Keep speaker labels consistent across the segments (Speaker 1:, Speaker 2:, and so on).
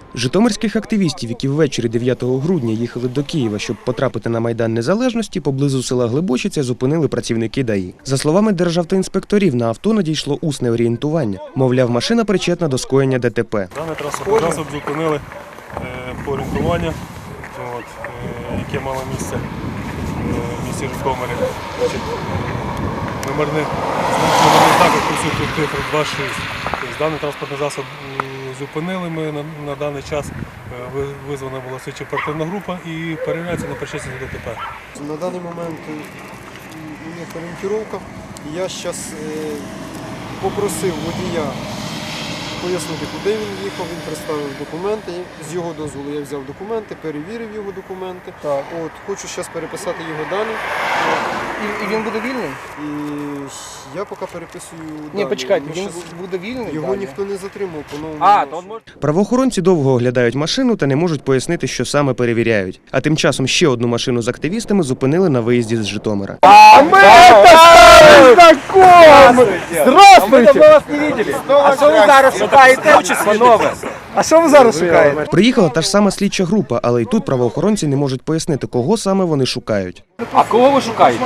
Speaker 1: Житомирських активістів, які ввечері 9 грудня їхали до Києва, щоб потрапити на Майдан Незалежності, поблизу села Глибочиця зупинили працівники ДАІ. За словами державтоінспекторів, на авто надійшло усне орієнтування. Мовляв, машина причетна до скоєння ДТП.
Speaker 2: Даний транспортний засіб зупинили по орієнтуванню, яке мало місце в місті Житомирі. Номерний знак присутній цифри 26. Даний транспортний засіб зупинили ми на даний час. Визвана була слідчо-оперативна група і перевіряється на причетність до ДТП.
Speaker 3: На даний момент у них орієнтировка. Я зараз попросив водія пояснити, куди він їхав, він представив документи. З його дозволу я взяв документи, перевірив його документи. Хочу зараз переписати його дані.
Speaker 4: І він буде вільний?
Speaker 3: І я поки переписую дані.
Speaker 4: Ні, почекайте, він буде вільний?
Speaker 3: Його ніхто не затримав по новому.
Speaker 1: Правоохоронці довго оглядають машину та не можуть пояснити, що саме перевіряють. А тим часом ще одну машину з активістами зупинили на виїзді з Житомира.
Speaker 4: А ми це знайомі! Здравствуйте! Ми вас не бачили. А що ви зараз шукаєте? А що ви зараз шукаєте?
Speaker 1: Приїхала та ж сама слідча група, але й тут правоохоронці не можуть пояснити, кого саме вони шукають.
Speaker 5: А кого ви шукаєте?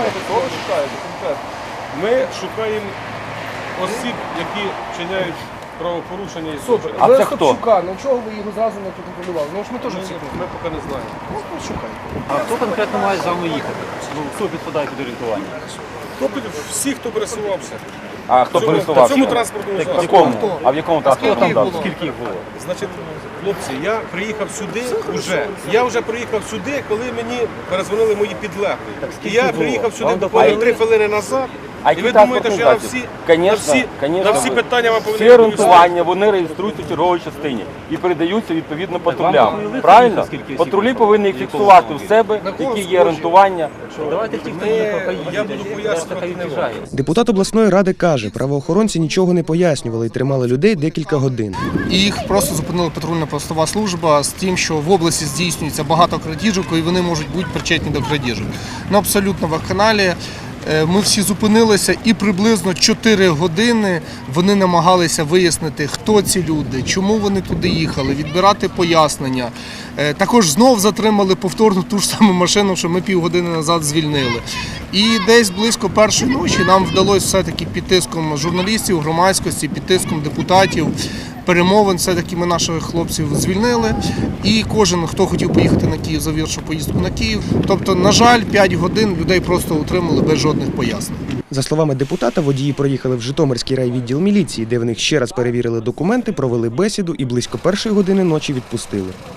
Speaker 2: Ми шукаємо осіб, які вчиняють правопорушення і злочини.
Speaker 5: А це хто?
Speaker 4: Ну чого ви його зразу не контролювали? Ну ж ми теж всіх.
Speaker 2: Ми поки не знаємо.
Speaker 6: А хто конкретно має за мною їхати? Ну, хто підпадає під орієнтування?
Speaker 2: Всі, хто пересувався.
Speaker 5: А хто пересувався?
Speaker 2: В цьому транспортному
Speaker 5: В
Speaker 2: засобі.
Speaker 5: якому? А в якому транспортному засобі?
Speaker 6: Скільки їх було?
Speaker 2: Значить, хлопці, я приїхав сюди вже. Я вже приїхав сюди, коли мені перезвонили мої підлеглі. І я приїхав сюди буквально 3 хвилини назад. І ви думаєте, що я на всі питання вам повинен
Speaker 5: Всі орієнтування, вони реєструються в черговій частині і передаються відповідно патрулям. Правильно? Патрулі повинні їх фіксувати в себе, які є орієнтування.
Speaker 6: Давайте ті, хто не поїде.
Speaker 2: Я буду пояснювати не вам.
Speaker 1: Депутат обласної ради каже, правоохоронці нічого не пояснювали і тримали людей декілька годин.
Speaker 3: І їх просто зупинила патрульна постова служба з тим, що в області здійснюється багато крадіжок і вони можуть бути причетні до крадіжок. Ну, абсолютно вакханалія. Ми всі зупинилися і приблизно 4 години вони намагалися вияснити, хто ці люди, чому вони туди їхали, відбирати пояснення. Також знов затримали повторно ту ж саму машину, що ми півгодини назад звільнили. І десь близько першої ночі нам вдалося все-таки під тиском журналістів, громадськості, під тиском депутатів, перемовин, все-таки ми наших хлопців звільнили. І кожен, хто хотів поїхати на Київ, завершив поїздку на Київ. Тобто, на жаль, 5 годин людей просто утримали без жодних пояснень.
Speaker 1: За словами депутата, водії проїхали в Житомирський райвідділ міліції, де в них ще раз перевірили документи, провели бесіду і близько 1-ї години ночі відпустили.